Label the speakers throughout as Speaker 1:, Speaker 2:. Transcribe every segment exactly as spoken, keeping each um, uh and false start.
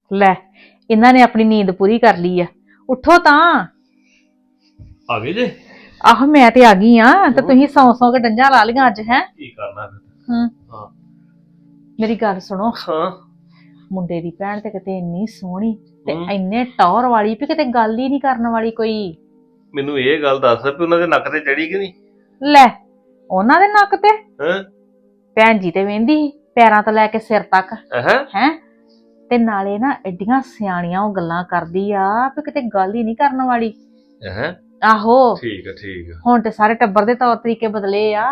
Speaker 1: ਲੈ ਇਹਨਾਂ ਨੇ ਆਪਣੀ ਨੀਂਦ ਪੂਰੀ ਕਰ ਲਈ ਆ। ਉੱਠੋ ਤਾਂ।
Speaker 2: ਆ ਗਏ ਜੇ?
Speaker 1: ਆਹੋ ਮੈਂ ਤੇ ਆ ਗਈ ਆ ਤੇ ਤੁਸੀਂ ਸੌ ਸੌ ਕੇ ਡੰਜਾਂ ਲਾ ਲਈਆਂ ਅੱਜ। ਹੈ
Speaker 2: ਕੀ ਕਰਨਾ ਫਿਰ?
Speaker 1: ਹੂੰ
Speaker 2: ਹਾਂ
Speaker 1: ਮੇਰੀ ਗੱਲ ਸੁਣੋ।
Speaker 2: ਹਾਂ
Speaker 1: ਮੁੰਡੇ ਦੀ ਭੈਣ ਤੇ ਕਿਤੇ ਇੰਨੀ ਸੋਹਣੀ ਤੇ
Speaker 2: ਹੂੰ।
Speaker 1: ਇੰਨੇ ਟੌਰ ਵਾਲੀ ਵੀ ਕਿਤੇ ਗੱਲ ਹੀ ਨਹੀਂ ਕਰਨ ਵਾਲੀ ਕੋਈ।
Speaker 2: ਮੈਨੂੰ ਇਹ ਗੱਲ ਦੱਸ ਵੀ ਉਹਨਾਂ ਦੇ ਨੱਕ ਤੇ ਚੜੀ ਕਿ ਨਹੀਂ?
Speaker 1: ਲੈ ਉਹਨਾਂ ਦੇ ਨੱਕ ਤੇ
Speaker 2: ਹਾਂ
Speaker 1: ਭੈਣ ਜੀ ਤੇ ਵਹਿੰਦੀ ਸੀ ਪੈਰਾਂ ਤੋਂ ਲੈ ਕੇ ਸਿਰ ਤੱਕ।
Speaker 2: ਹੈ
Speaker 1: ਹੈ ਤੇ ਨਾਲੇ ਨਾ ਐਡੀਆਂ ਸਿਆਣੀਆਂ ਉਹ ਗੱਲਾਂ ਕਰਦੀ ਆ ਵੀ ਕਿਤੇ ਗੱਲ ਹੀ ਨਹੀਂ ਕਰਨ ਵਾਲੀ।
Speaker 2: ਹੈ
Speaker 1: ਆਹੋ
Speaker 2: ਠੀਕ ਆ ਠੀਕ ਆ।
Speaker 1: ਹੁਣ ਤੇ ਸਾਰੇ ਟੱਬਰ ਦੇ ਤੌਰ ਤਰੀਕੇ ਬਦਲੇ ਆ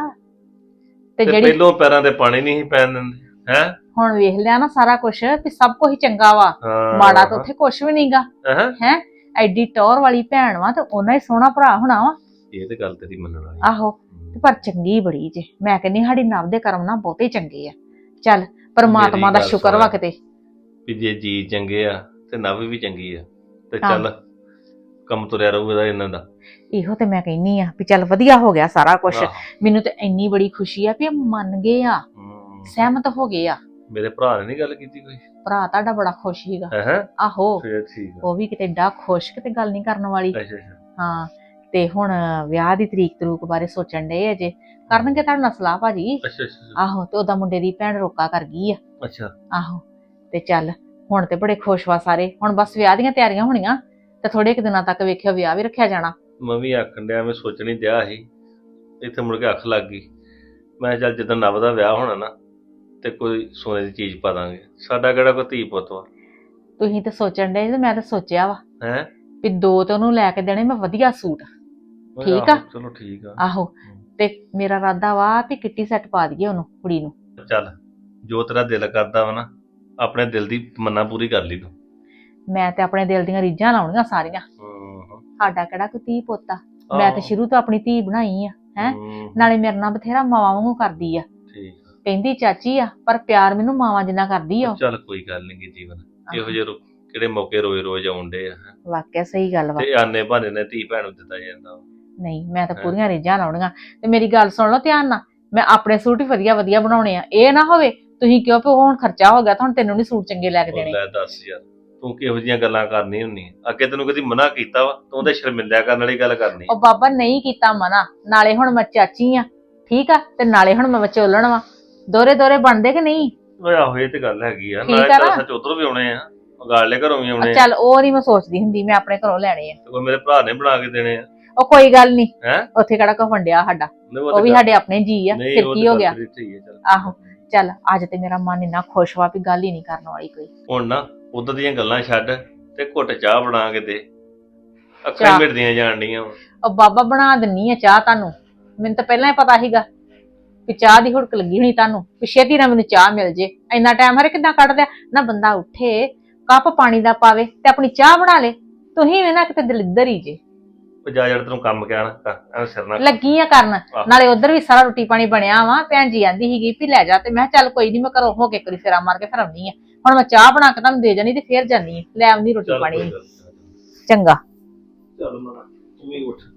Speaker 1: ਤੇ
Speaker 2: ਤੇ
Speaker 1: ਜਿਹੜੀ
Speaker 2: ਪਹਿਲੋਂ ਪੈਰਾਂ ਤੇ ਪਾਣੀ ਨਹੀਂ ਸੀ ਪੈਣ ਦਿੰਦੇ। ਹੈ
Speaker 1: ਹੁਣ ਵੇਖ ਲਿਆ ਨਾ ਸਾਰਾ ਕੁਛ ਵੀ ਸਭ ਕੁਝ ਚੰਗਾ ਵਾ।
Speaker 2: ਹਾਂ
Speaker 1: ਮਾੜਾ ਤਾਂ ਉੱਥੇ ਕੁਛ ਵੀ ਨਹੀਂਗਾ।
Speaker 2: ਹੈ
Speaker 1: ਹੈ ਐਡੀ ਟੌਰ ਵਾਲੀ ਭੈਣ ਵਾ ਤੇ ਉਹਨਾਂ ਹੀ ਸੋਹਣਾ ਭਰਾ ਹੋਣਾ ਵਾ।
Speaker 2: ਇਹ ਤੇ ਗੱਲ ਤੇਰੀ ਮੰਨਣ ਵਾਲੀ।
Speaker 1: ਆਹੋ ਤੇ ਪਰ ਚੰਗੀ ਬੜੀ ਜੇ। ਮੈਂ ਕਹਿੰਦੀ ਸਾਡੀ ਨਵ ਦੇ ਕਰਮ ਨਾ ਬਹੁਤੇ ਚੰਗੇ ਆ। ਚੱਲ ਪਰਮਾਤਮਾ ਦਾ
Speaker 2: ਮੇਰੀ ਗੱਲ
Speaker 1: ਸ਼ੁਕਰ ਵਾ
Speaker 2: ਸੁਣ।
Speaker 1: ਕਿਤੇ।
Speaker 2: ਵੀ ਜੇ ਜੀ ਚੰਗੇ ਆ ਤੇ ਨਵ ਵੀ ਚੰਗੀ ਆ ਤੇ
Speaker 1: ਹਾਂ।
Speaker 2: ਚੱਲ ਕੰਮ ਤੁਰਿਆ ਰਹੂਗਾ ਇਹਨਾਂ ਦਾ।
Speaker 1: ਇਹੋ ਤੇ ਮੈਂ ਕਹਿੰਨੀ ਆ ਵੀ ਚੱਲ ਵਧੀਆ ਹੋ ਗਿਆ ਸਾਰਾ ਕੁਝ।
Speaker 2: ਆਹੋ।
Speaker 1: ਮੈਨੂੰ ਤੇ ਇੰਨੀ ਬੜੀ ਖੁਸ਼ੀ ਆ ਵੀ ਇਹ ਮੰਨ ਗਏ ਆ,
Speaker 2: ਹੂੰ।
Speaker 1: ਸਹਿਮਤ ਹੋ ਗਏ ਆ।
Speaker 2: ਮੇਰੇ ਭਰਾ ਨੇ ਨਹੀਂ ਗੱਲ ਕੀਤੀ ਕੋਈ?
Speaker 1: ਭਰਾ ਤੁਹਾਡਾ ਬੜਾ ਖੁਸ਼ ਸੀਗਾ।
Speaker 2: ਹੈ
Speaker 1: ਆਹੋ
Speaker 2: ਫੇਰ ਠੀਕ ਆ।
Speaker 1: ਉਹ ਵੀ ਕਿਤੇ ਡਾ ਖੁਸ਼ ਕਿਤੇ ਗੱਲ ਨਹੀਂ ਕਰਨ ਵਾਲੀ।
Speaker 2: ਅੱਛਾ ਅੱਛਾ
Speaker 1: ਹਾਂ ਤੇ ਹੁਣ ਵਿਆਹ ਦੀ ਤਰੀਕ ਤਰੂਕ ਬਾਰੇ ਸੋਚਣ ਡਏ ਅਜੇ। ਕਰਨਗੇ ਤੁਹਾਡੇ ਨਾਲ ਸਲਾਹ ਭਾਜੀ।
Speaker 2: ਅੱਛਾ ਅੱਛਾ
Speaker 1: ਆਹੋ ਤੇ ਉਹਦਾ ਮੁੰਡੇ ਦੀ ਭੈਣ ਰੋਕਾ ਕਰ ਗਈ ਆ।
Speaker 2: ਅੱਛਾ
Speaker 1: ਆਹੋ ਤੇ ਚੱਲ ਹੁਣ ਤੇ ਬੜੇ ਖੁਸ਼ ਵਾ ਸਾਰੇ। ਹੁਣ ਬਸ ਵਿਆਹ ਦੀਆਂ ਤਿਆਰੀਆਂ ਹੋਣੀਆਂ ਤੇ ਥੋੜੇ ਕੁ ਦਿਨਾਂ ਤੱਕ ਵੇਖਿਓ ਵਿਆਹ ਵੀ ਰੱਖਿਆ ਜਾਣਾ।
Speaker 2: ਮੈਂ ਵੀ ਆਖਣ ਡਿਆ, ਮੈਂ ਸੋਚਣੀ ਡਿਆ ਸੀ ਇੱਥੇ ਮੁੜ ਕੇ ਅੱਖ ਲੱਗ ਗਈ। ਮੈਂ ਕਿਹਾ ਚੱਲ ਜਿੱਦਾਂ ਨਵ ਦਾ ਵਿਆਹ ਹੋਣਾ ਨਾ ਤੇ ਕੋਈ ਸੋਨੇ ਦੀ ਚੀਜ਼ ਪਾ ਦਾਂਗੇ। ਸਾਡਾ ਕਿਹੜਾ ਕੋਈ ਧੀ ਪੁੱਤ ਵਾ।
Speaker 1: ਤੁਸੀਂ ਤੇ ਸੋਚਣ ਡਏ ਤੇ ਮੈਂ ਤਾਂ ਸੋਚਿਆ ਵਾ
Speaker 2: ਹੈ
Speaker 1: ਵੀ ਦੋ ਤੇ ਉਹਨੂੰ ਲੈ ਕੇ ਦੇਣੇ ਮੈਂ ਵਧੀਆ ਸੂਟ। ਠੀਕ ਆ।
Speaker 2: ਚਲੋ ਠੀਕ ਆ।
Speaker 1: ਆਹੋ ਤੇ ਮੇਰਾ ਇਰਾਦਾ ਵਾ ਵੀ ਕਿੱਟੀ ਸੈੱਟ ਪਾ ਦਈਏ ਉਹਨੂੰ ਕੁੜੀ ਨੂੰ।
Speaker 2: ਚੱਲ ਜੋ ਤੇਰਾ ਦਿਲ ਕਰਦਾ ਵਾ ਨਾ ਆਪਣੇ ਦਿਲ ਦੀ ਮੰਨਾ ਪੂਰੀ ਕਰ ਲਈ ਤੂੰ।
Speaker 1: ਮੈਂ ਤੇ ਆਪਣੇ ਦਿਲ ਦੀਆਂ ਰੀਝਾਂ ਲਾਉਣੀਆਂ ਸਾਰੀਆਂ।
Speaker 2: ਹੂੰ
Speaker 1: ਸਾਡਾ ਕਿਹੜਾ ਕੋਈ ਧੀ ਪੁੱਤ ਆ। ਮੈਂ ਤੇ ਸ਼ੁਰੂ ਤੋਂ ਆਪਣੀ ਧੀ ਬਣਾਈ ਆ। ਹੈ
Speaker 2: ਹੂੰ,
Speaker 1: ਨਾਲੇ ਮੇਰੇ ਨਾਲ ਬਥੇਰਾ ਮਾਵਾਂ ਵਾਂਗੂ ਕਰਦੀ ਆ।
Speaker 2: ਠੀਕ ਆ।
Speaker 1: ਕਹਿੰਦੀ ਚਾਚੀ ਆ ਪਰ ਪਿਆਰ ਮੈਨੂੰ ਮਾਵਾਂ ਜਿੰਨਾ ਕਰਦੀ ਆ ਉਹ।
Speaker 2: ਚੱਲ ਕੋਈ ਗੱਲ ਨਹੀਂ ਗੀ ਜੀਵਨ ਇਹੋ ਜਿਹੇ ਰੋ- ਕਿਹੜੇ ਮੌਕੇ ਰੋਜ਼ ਰੋਜ਼ ਆਉਂਦੇ ਆ।
Speaker 1: ਵਾਕਿਆ ਸਹੀ ਗੱਲ ਵਾ।
Speaker 2: ਤੇ ਆਨੇ ਬਹਾਨੇ ਨੇ ਧੀ ਭੈਣ ਨੂੰ ਦਿੱਤਾ ਜਾਂਦਾ ਵਾ।
Speaker 1: ਨਹੀਂ ਮੈਂ ਤਾਂ ਪੂਰੀਆਂ ਰੀਝਾਂ ਲਾਉਣੀਆਂ। ਤੇ ਮੇਰੀ ਗੱਲ ਸੁਣ ਲਓ ਧਿਆਨ ਨਾਲ। ਮੈਂ ਆਪਣੇ ਸੂਟ ਹੀ ਵਧੀਆ ਵਧੀਆ ਬਣਾਉਣੇ ਆ। ਇਹ ਨਾ ਹੋਵੇ ਤੁਸੀਂ ਕਿਉਂ ਵੀ ਹੁਣ ਖਰਚਾ ਹੋ ਗਿਆ ਤਾਂ ਹੁਣ ਤੈਨੂੰ ਨਹੀਂ ਸੂਟ ਚੰਗੇ ਲੈ ਕੇ
Speaker 2: ਉਹ
Speaker 1: ਦੇਣੇ।
Speaker 2: ਲੈ ਦੱਸ ਯਾਰ ਤੂੰ ਕਿਹੋ ਜਿਹੀਆਂ ਗੱਲਾਂ ਕਰਨੀ ਹੁੰਨੀ ਅੱਗੇ ਤੈਨੂੰ ਕਦੀ ਮਨਾ ਕੀਤਾ ਵਾ ਤੂੰ ਉਹਦੇ ਸ਼ਰਮਿੰਦਿਆ ਕਰਨ ਵਾਲੀ ਗੱਲ ਕਰਨੀ।
Speaker 1: ਉਹ ਬਾਬਾ ਨਹੀਂ ਕੀਤਾ ਮਨਾ। ਨਾਲੇ ਹੁਣ ਮੈਂ ਚਾਚੀ ਆ ਠੀਕ ਆ ਤੇ ਨਾਲੇ ਹੁਣ ਮੈਂ ਵਿਚੋਲਣ ਵਾ। ਦੋਰੇ ਦੋਰੇ ਬਣਦੇ ਕਿ ਨਹੀਂ?
Speaker 2: ਓਏ ਆਹੋ ਇਹ ਤੇ ਗੱਲ ਹੈਗੀ ਆ।
Speaker 1: ਠੀਕ
Speaker 2: ਨਾਲੇ
Speaker 1: ਆ
Speaker 2: ਚੱਲ
Speaker 1: ਨਾ?
Speaker 2: ਸੱਚ ਉਧਰੋਂ ਵੀ ਆਉਣੇ ਆ ਗਾਲੇ ਘਰੋਂ ਵੀ ਆਉਣੇ ਆ।
Speaker 1: ਚੱਲ ਉਹ ਨਹੀਂ ਮੈਂ ਸੋਚਦੀ ਹੁੰਦੀ। ਮੈਂ ਆਪਣੇ ਘਰੋਂ ਲੈਣੇ ਆ।
Speaker 2: ਤੇ ਕੋਈ ਮੇਰੇ ਭਰਾ ਨੇ ਬਣਾ ਕੇ ਦੇਣੇ ਆ।
Speaker 1: ਉਹ ਕੋਈ ਗੱਲ ਨਹੀਂ।
Speaker 2: ਹੈ
Speaker 1: ਉੱਥੇ ਕਿਹੜਾ ਕੋ ਫੰਡਿਆ ਸਾਡਾ। ਉਹ ਵੀ ਸਾਡੇ ਆਪਣੇ ਜੀ ਆ। ਫਿਰ ਕੀ ਹੋ ਗਿਆ? ਆਹੋ ਚੱਲ ਅੱਜ ਤੇ ਮੇਰਾ ਮਨ ਇੰਨਾ ਖੁਸ਼ ਵਾ ਵੀ ਗੱਲ ਹੀ ਨਹੀਂ ਕਰਨ ਵਾਲੀ ਕੋਈ।
Speaker 2: ਹੁਣ ਨਾ ਉਧਰ ਦੀਆਂ ਗੱਲਾਂ ਛੱਡ ਤੇ ਘੁੱਟ ਚਾਹ ਬਣਾ ਕੇ ਦੇ। ਅੱਖਾਂ
Speaker 1: ਚਾਹ?
Speaker 2: ਹੀ ਮਿਟਦੀਆਂ ਜਾਣ ਡੀਆਂ ਵਾ।
Speaker 1: ਉਹ ਬਾਬਾ ਬਣਾ ਦਿੰਨੀ ਆ ਚਾਹ ਤੁਹਾਨੂੰ। ਮੈਨੂੰ ਤਾਂ ਪਹਿਲਾਂ ਹੀ ਪਤਾ ਸੀਗਾ ਵੀ ਚਾਹ ਦੀ ਹੁੜਕ ਲੱਗੀ ਹੋਣੀ ਤੁਹਾਨੂੰ। ਵੀ ਛੇਤੀ ਨਾਲ ਮੈਨੂੰ ਚਾਹ ਮਿਲ ਜੇ। ਇੰਨਾ ਟਾਈਮ ਹਰੇ ਕਿੱਦਾਂ ਕੱਢ ਦਿਆ ਨਾ। ਬੰਦਾ ਉੱਠੇ ਕੱਪ ਪਾਣੀ ਦਾ ਪਾਵੇ ਤੇ ਆਪਣੀ ਚਾਹ ਬਣਾ ਲੇ। ਤੁਸੀਂ ਵੀ ਨਾ ਕਿਤੇ ਦਲਿੱਦਰ ਹੀ ਜੇ।
Speaker 2: ਉਹ ਜਾ ਜੜ ਤੈਨੂੰ ਕੰਮ ਕਹਿਣਾ ਐ ਸਿਰ ਨਾਲ
Speaker 1: ਲੱਗੀ ਆ ਕਰਨ। ਨਾਲੇ ਉਧਰ ਵੀ ਸਾਰਾ ਰੋਟੀ ਪਾਣੀ ਬਣਿਆ ਵਾ। ਭੈਣ ਜੀ ਆਂਦੀ ਸੀਗੀ ਵੀ ਲੈ ਜਾ ਤੇ ਮੈਂ ਕਿਹਾ ਚੱਲ ਕੋਈ ਨੀ ਮੈਂ ਘਰੋਂ ਹੋ ਕੇ ਕਰੀ ਫੇਰਾ ਮਾਰ ਕੇ ਫਿਰ ਆਉਣੀ ਆ। ਹੁਣ ਮੈਂ ਚਾਹ ਬਣਾ ਕੇ ਤੁਹਾਨੂੰ ਦੇ ਜਾਣੀ ਤੇ ਫੇਰ ਜਾਨੀ ਆ ਲੈ ਆਉਂਦੀ ਰੋਟੀ
Speaker 2: ਚੱਲ
Speaker 1: ਪਾਣੀ।
Speaker 2: ਕੋਈ ਗੱਲ ਨੀ।
Speaker 1: ਚੰਗਾ
Speaker 2: ਚੱਲ ਮਨਾ ਤੂੰ ਵੀ ਉੱਠ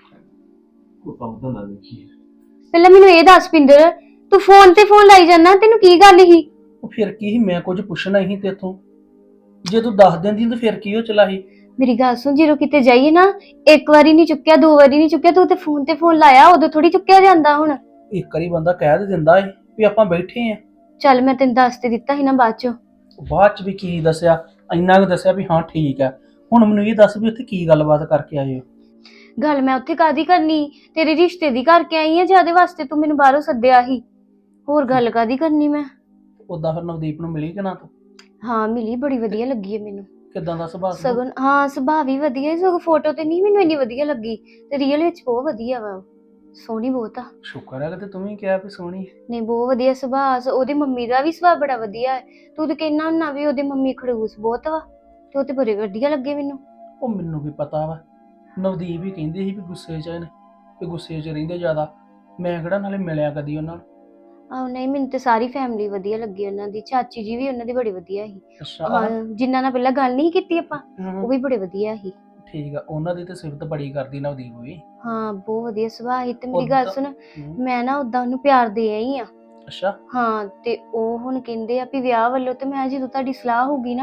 Speaker 2: ਕੋਈ ਕੰਮ ਤਾਂ ਨਾ ਦੇਖੀ।
Speaker 3: ਪਹਿਲਾਂ ਮੈਨੂੰ ਇਹ ਦੱਸ ਪਿੰਦਰ, ਤੂੰ ਫੋਨ ਤੇ ਫੋਨ ਲਾਈ ਜਾਂਦਾ, ਤੈਨੂੰ ਕੀ ਗੱਲ ਸੀ?
Speaker 4: ਉਹ ਫਿਰ ਕੀ ਸੀ, ਮੈਂ ਕੁਝ ਪੁੱਛਣਾ ਹੀ ਤੇਥੋਂ। ਜੇ ਤੂੰ ਦੱਸ ਦਿੰਦੀ ਤਾਂ ਫਿਰ ਕੀ ਹੋ ਚਲਾ ਸੀ।
Speaker 3: ਮੇਰੀ ਗੱਲ ਸੁਣ, ਜਦੋਂ ਕਿਤੇ ਜਾਈਏ ਨਾ ਇੱਕ ਵਾਰੀ ਨਹੀਂ ਚੁੱਕਿਆ, ਦੋ ਵਾਰੀ ਨਹੀਂ ਚੁੱਕਿਆ, ਤੂੰ ਤੇ ਫੋਨ ਤੇ ਫੋਨ ਲਾਇਆ, ਉਦੋਂ ਥੋੜੀ ਚੁੱਕਿਆ ਜਾਂਦਾ। ਹੁਣ
Speaker 4: ਇੱਕ ਵਾਰੀ ਬੰਦਾ ਕਹਿ ਦੇ ਦਿੰਦਾ ਏ ਵੀ ਆਪਾਂ ਬੈਠੇ ਆਂ।
Speaker 3: ਚੱਲ ਮੈਂ ਤੈਨੂੰ ਦੱਸ ਤੇ ਦਿੱਤਾ ਸੀ ਨਾ ਬਾਅਦ ਚੋਂ।
Speaker 4: ਬਾਅਦ ਚ ਵੀ ਕੀ ਦੱਸਿਆ? ਇੰਨਾ ਕੁ ਦੱਸਿਆ ਵੀ ਹਾਂ ਠੀਕ ਹੈ। ਹੁਣ ਮੈਨੂੰ ਇਹ ਦੱਸ ਵੀ ਉੱਥੇ ਕੀ ਗੱਲਬਾਤ ਕਰਕੇ ਆਏ ਹੋ?
Speaker 3: ਗੱਲ ਮੈਂ ਉੱਥੇ ਕਾਦੀ ਕਰਨੀ, ਤੇਰੇ ਰਿਸ਼ਤੇ ਦੀ ਕਰਕੇ ਆਈ ਆ, ਜਿਹਦੇ ਵਾਸਤੇ ਤੂੰ ਮੈਨੂੰ ਬਾਹਰੋਂ ਸੱਦਿਆ ਸੀ। ਹੋਰ ਗੱਲ ਕਾਦੀ ਕਰਨੀ ਮੈਂ?
Speaker 4: ਉਦਾਂ ਫਿਰ ਨਵਦੀਪ ਨੂੰ ਮਿਲੀ ਕਿ ਨਾ ਤੂੰ?
Speaker 3: ਹਾਂ ਮਿਲੀ, ਬੜੀ ਵਧੀਆ ਲੱਗੀ ਹੈ ਮੈਨੂੰ।
Speaker 4: ਕਿੱਦਾਂ ਦਾ ਸੁਭਾਅ ਸੀ?
Speaker 3: ਸਗੋਂ ਹਾਂ ਸੁਭਾਅ ਵੀ ਵਧੀਆ, ਸਗੋਂ ਫੋਟੋ ਤੇ ਨਹੀਂ ਮੈਨੂੰ ਇੰਨੀ ਵਧੀਆ ਲੱਗੀ, ਤੇ ਰੀਅਲ ਵਿੱਚ ਬਹੁਤ ਵਧੀਆ ਵਾ, ਸੋਹਣੀ ਬਹੁਤ ਆ।
Speaker 4: ਸ਼ੁਕਰ ਹੈ ਕਿ ਤੂੰ ਵੀ ਕਿਹਾ ਵੀ ਸੋਹਣੀ।
Speaker 3: ਨਹੀਂ ਬਹੁਤ ਵਧੀਆ ਸੁਭਾਅ, ਉਹਦੀ ਮੰਮੀ ਦਾ ਵੀ ਸੁਭਾਅ ਬੜਾ ਵਧੀਆ ਹੈ। ਤੂੰ ਤੇ ਕਹਿਣਾ ਹੁੰਨਾ ਵੀ ਉਹਦੀ ਮੰਮੀ ਖੜੂਸ ਬਹੁਤ ਵਾ, ਤੇ ਉਹ ਤੇ ਬੜੇ ਵਧੀਆ ਲੱਗੇ ਮੈਨੂੰ।
Speaker 4: ਉਹ ਮੈਨੂੰ ਵੀ ਪਤਾ ਵਾ, ਨਵਦੀਪ ਵੀ ਕਹਿੰਦੀ ਸੀ ਵੀ ਗੁੱਸੇ 'ਚ ਨੇ, ਵੀ ਗੁੱਸੇ 'ਚ ਰਹਿੰਦੇ ਜ਼ਿਆਦਾ। ਮੈਂ ਕਿਹੜਾ ਨਾਲੇ ਮਿਲਿਆ ਕਦੀ ਉਹਨਾਂ ਨੂੰ।
Speaker 3: ਆਹੋ ਨਹੀਂ, ਮੈਨੂੰ ਤੇ ਸਾਰੀ ਫੈਮਿਲੀ ਵਧੀਆ ਲੱਗੀ ਉਹਨਾਂ ਦੀ, ਚਾਚੀ ਜੀ ਵੀ ਉਹਨਾਂ ਦੀ ਬੜੀ ਵਧੀਆ ਸੀ।
Speaker 4: ਅੱਛਾ
Speaker 3: ਹਾਂ ਜਿਨ੍ਹਾਂ ਨਾਲ ਪਹਿਲਾਂ ਗੱਲ ਨਹੀਂ ਕੀਤੀ ਆਪਾਂ,
Speaker 4: ਹਮ,
Speaker 3: ਉਹ ਵੀ ਬੜੇ ਵਧੀਆ ਸੀ।
Speaker 4: ਠੀਕ ਆ, ਉਹਨਾਂ ਦੀ ਤੇ ਸਿਫਤ ਬੜੀ ਕਰਦੀ ਨਵਦੀਪ ਵੀ।
Speaker 3: ਹਾਂ ਬਹੁਤ ਵਧੀਆ ਸੁਭਾਅ ਸੀ। ਤੇ ਮੇਰੀ ਗੱਲ
Speaker 4: ਉੱਦਾਂ-
Speaker 3: ਸੁਣ,
Speaker 4: ਹਮ,
Speaker 3: ਮੈਂ ਨਾ ਉਦਾਂ ਉਹਨੂੰ ਪਿਆਰ ਦੇ ਆਈ ਆ।
Speaker 4: ਅੱਛਾ
Speaker 3: ਹਾਂ ਤੇ ਉਹ ਹੁਣ ਕਹਿੰਦੇ ਆ ਵੀ ਵਿਆਹ ਵੱਲੋਂ, ਤੇ ਮੈਂ ਜਦੋਂ ਤੁਹਾਡੀ ਸਲਾਹ ਹੋਊਗੀ ਨਾ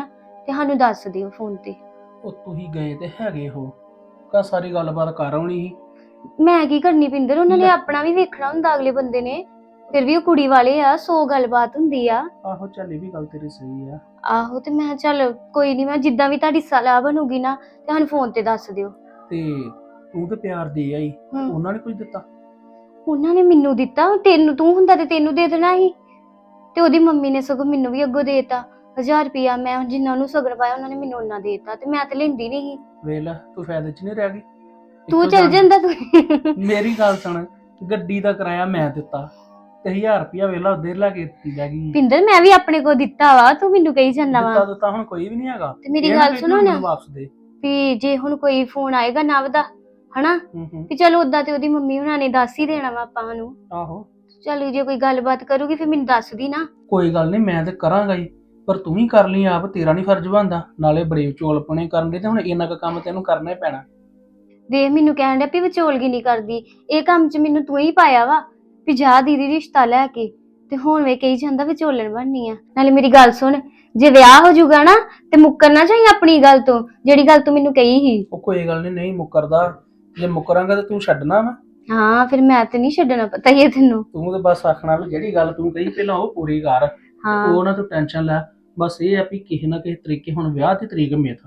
Speaker 3: ਤੇ ਸਾਨੂੰ ਦੱਸ ਦਿਓ ਫੋਨ ਤੇ।
Speaker 4: ਉਹ ਤੁਸੀਂ ਗਏ ਤੇ ਹੈਗੇ ਹੋ, ਕਾ ਸਾਰੀ ਗੱਲਬਾਤ ਕਰ ਆਉਣੀ ਸੀ।
Speaker 3: ਮੈਂ ਕੀ ਕਰਨੀ ਪਿੰਦਰ, ਉਹਨਾਂ ਨੇ
Speaker 4: ਲੈ।
Speaker 3: ਆਪਣਾ ਵੀ ਵੇਖਣਾ ਹੁੰਦਾ ਅਗਲੇ ਬੰਦੇ ਨੇ, ਫਿਰ ਵੀ ਉਹ ਕੁੜੀ ਵਾਲੇ ਆ, ਸੌ ਗੱਲਬਾਤ ਹੁੰਦੀ ਆ।
Speaker 4: ਆਹੋ ਚੱਲ ਇਹ ਵੀ ਗੱਲ ਤੇਰੀ ਸਹੀ ਆ।
Speaker 3: ਆਹੋ ਤੇ ਮੈਂ ਚੱਲ ਕੋਈ ਨਹੀਂ, ਮੈਂ ਜਿੱਦਾਂ ਵੀ ਤੁਹਾਡੀ ਸਲਾਹ ਬਣੂਗੀ ਨਾ ਤੇ ਸਾਨੂੰ ਫੋਨ ਤੇ ਦੱਸ ਦਿਓ।
Speaker 4: ਤੇ ਤੂੰ ਤੇ ਪਿਆਰ ਦੇ ਆਈ,
Speaker 3: ਹਮ।
Speaker 4: ਉਹਨਾਂ ਨੇ ਕੁਝ ਦਿੱਤਾ?
Speaker 3: ਉਹਨਾਂ ਨੇ ਮੈਨੂੰ ਦਿੱਤਾ, ਤੈਨੂੰ ਤੂੰ ਹੁੰਦਾ ਤੇ ਤੈਨੂੰ ਦੇ ਦੇਣਾ ਸੀ, ਤੇ ਉਹਦੀ ਮੰਮੀ ਨੇ ਸਗੋਂ ਮੈਨੂੰ ਵੀ ਅੱਗੋਂ ਦੇਤਾ ਹਜ਼ਾਰ ਰੁਪਇਆ। ਮੈਂ ਜਿੰਨਾ ਉਹਨੂੰ ਸਗਨ ਪਾਇਆ ਉਹਨਾਂ ਨੇ ਮੈਨੂੰ ਉਹਨਾਂ ਦੇਤਾ, ਤੇ ਮੈਂ ਤੇ ਲੈਂਦੀ ਨਹੀਂ ਸੀ।
Speaker 4: ਵੇਖ ਲੈ ਤੂੰ ਫਾਇਦੇ 'ਚ ਨਹੀਂ ਰਹਿ ਗਈ।
Speaker 3: ਤੂੰ
Speaker 4: ਇੱਕੋ
Speaker 3: ਚੱਲ
Speaker 4: ਜਾਣ-
Speaker 3: ਜਾਂਦਾ ਤੂੰ।
Speaker 4: ਮੇਰੀ ਗੱਲ ਸੁਣ, ਗੱਡੀ ਦਾ ਕਿਰਾਇਆ ਮੈਂ ਦਿੱਤਾ ਤੇ ਹਜ਼ਾਰ ਰੁਪਇਆ ਵੇਲਾ ਉਧਰ ਲਾ ਕੇ ਦਿੱਤੀ ਲੈ ਗਈ।
Speaker 3: ਪਿੰਦਰ ਮੈਂ ਵੀ ਆਪਣੇ ਕੋ ਦਿੱਤਾ ਵਾ, ਤੂੰ ਮੈਨੂੰ ਕਹੀ ਜਾਂਦਾ
Speaker 4: ਦਿੱਤਾ
Speaker 3: ਵਾ।
Speaker 4: ਦਿੱਤਾ ਹੁਣ ਕੋਈ ਵੀ ਨਹੀਂ ਹੈਗਾ।
Speaker 3: ਤੇ ਮੇਰੀ
Speaker 4: ਇਹ ਨਾ
Speaker 3: ਗੱਲ
Speaker 4: ਕਹੀ
Speaker 3: ਸੁਣੋ
Speaker 4: ਮੈਨੂੰ
Speaker 3: ਨਾ।
Speaker 4: ਵਾਪਸ ਦੇ।
Speaker 3: ਵੀ ਜੇ ਹੁਣ ਕੋਈ ਫੋਨ ਆਏਗਾ ਨਵ ਦਾ, ਹਨਾ,
Speaker 4: ਹੂੰ ਹੂੰ
Speaker 3: ਵੀ ਚਲੋ ਓਦਾਂ ਤੇ ਉਹਦੀ ਮੰਮੀ ਹੁਣਾਂ ਨੇ ਦੱਸ ਹੀ ਦੇਣਾ ਵਾ ਆਪਾਂ ਨੂੰ।
Speaker 4: ਆਹੋ
Speaker 3: ਚਲੋ ਜੇ ਕੋਈ ਗੱਲਬਾਤ ਕਰੂਗੀ ਫਿਰ ਮੈਨੂੰ ਦੱਸਦੀ ਨਾ।
Speaker 4: ਕੋਈ ਗੱਲ ਨਹੀਂ, ਮੈਂ ਤੇ ਕਰਾਂਗਾ ਹੀ, ਪਰ ਤੂੰ ਵੀ ਕਰ ਲਈ ਆਪ, ਤੇਰਾ ਨਹੀਂ ਫਰਜ਼ ਬਣਦਾ। ਨਾਲੇ ਬੜੇ ਵਿਚੋਲਪਣੇ ਕਰਨ ਦੇ ਤੇ ਹੁਣ ਇੰਨਾ ਕੁ ਕੰਮ ਤੈਨੂੰ ਕਰਨਾ ਹੀ ਪੈਣਾ।
Speaker 3: ਵੇਖ ਮੈਨੂੰ ਕਹਿਣ ਡਿਆ ਵੀ ਵਿਚੋਲਗੀ ਨਹੀਂ ਕਰਦੀ, ਇਹ ਕੰਮ 'ਚ ਮੈਨੂੰ ਤੂੰ ਹੀ ਪਾਇਆ ਵਾ ਵੀ ਜਾ ਦੀਦੀ ਰਿਸ਼ਤਾ ਲੈ ਕੇ, ਤੇ ਹੁਣ ਵੇ ਕਹੀ ਜਾਂਦਾ ਵਿਚੋਲਣ ਬਣਨੀ ਆ। ਨਾਲੇ ਮੇਰੀ ਗੱਲ ਸੁਣ, ਜੇ ਵਿਆਹ ਹੋ ਜਾਊਗਾ ਨਾ ਤੇ ਮੁੱਕਰਨਾ ਚਾਹੀਏ ਆਪਣੀ ਗੱਲ ਤੋਂ, ਜਿਹੜੀ ਗੱਲ ਤੂੰ ਮੈਨੂੰ ਕਹੀ ਸੀ।
Speaker 4: ਉਹ ਕੋਈ ਗੱਲ ਨਹੀਂ, ਨਹੀਂ ਮੁੱਕਰਦਾ। ਜੇ ਮੁੱਕਰਾਂਗਾ ਤੇ ਤੂੰ ਛੱਡਣਾ ਵਾ।
Speaker 3: ਹਾਂ ਫਿਰ ਮੈਂ ਤੇ ਨਹੀਂ ਛੱਡਣਾ, ਪਤਾ ਹੀ ਹੈ ਤੈਨੂੰ।
Speaker 4: ਤੂੰ ਤੇ ਬਸ ਆਖਣਾ ਵੀ ਜਿਹੜੀ ਗੱਲ ਤੂੰ ਕਹੀ ਪਹਿਲਾਂ ਉਹ ਪੂਰੀ ਕਰ।
Speaker 3: ਹਾਂ
Speaker 4: ਉਹ ਨਾ ਤੂੰ ਟੈਨਸ਼ਨ ਲੈ, ਬਸ ਇਹ ਆ ਵੀ ਕਿਸੇ ਨਾ ਕਿਸੇ ਤਰੀਕੇ ਹੁਣ ਵਿਆਹ ਦੀ ਤਰੀਕ ਮਿੱਥ।